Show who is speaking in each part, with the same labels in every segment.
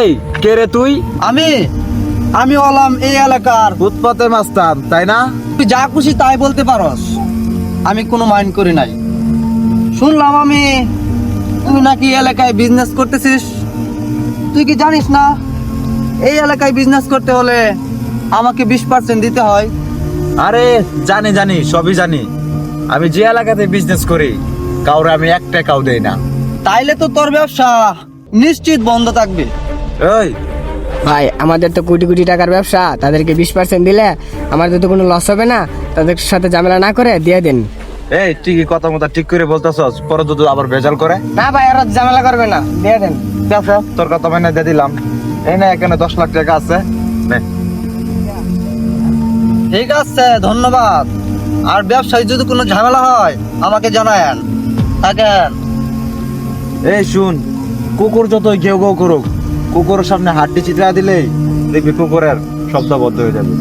Speaker 1: এই কে রে তুই?
Speaker 2: আমি আমি হলাম এই এলাকার।
Speaker 1: ফুটপাতে মাস্তান তাই না?
Speaker 2: তুই যা খুশি তাই বলতে পারস, আমি কোনো মাইন্ড করি নাই। শুনলাম আমি তুই নাকি এলাকায় বিজনেস করতেছিস। তুই কি জানিস না এই এলাকায় বিজনেস করতে হলে আমাকে 20% দিতে হয়?
Speaker 1: আরে জানি জানি, সবই জানি। আমি যে এলাকাতে বিজনেস করি কাউরে আমি 1 টাকাও দেই না।
Speaker 2: তাইলে তো তোর ব্যবসা নিশ্চিত বন্ধ থাকবে।
Speaker 1: এই
Speaker 3: ভাই আমাদের তো কোটি কোটি টাকার ব্যবসা, তাদেরকে 20% দিলে আমাদের তো কোনো লস হবে না। তাদের সাথে ঝামেলা না করে দিয়ে দিন।
Speaker 1: এই ঠিকই কথা মতো ঠিক করে বলতেছস, পরে তো আবার ভেজাল করে।
Speaker 3: না ভাই, আর ঝামেলা করবে না, দিয়ে দেন।
Speaker 1: আচ্ছা তোর কথা মেনে দিয়ে দিলাম। এই না, এখানে 10 লাখ টাকা আছে, নে।
Speaker 2: ঠিক আছে, ধন্যবাদ। আর ব্যবসায় যদি কোনো ঝামেলা হয় আমাকে জানায়েন। থাকেন।
Speaker 1: এই শুন, কুকুর যতই ঘেউ ঘেউ করুক, কুকুরের সামনে হাড্ডি চিত্রা দিলেই দেখবি কুকুরের শব্দ বন্ধ হয়ে যাবে।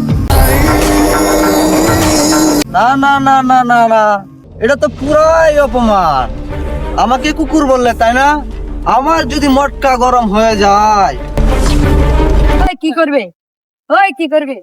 Speaker 2: না না না না না না, এটা তো পুরাই অপমান। আমাকে কুকুর বললে তাই না? আমার যদি মটকা গরম হয়ে যায়।
Speaker 4: ওই কি করবে? ওই কি করবে?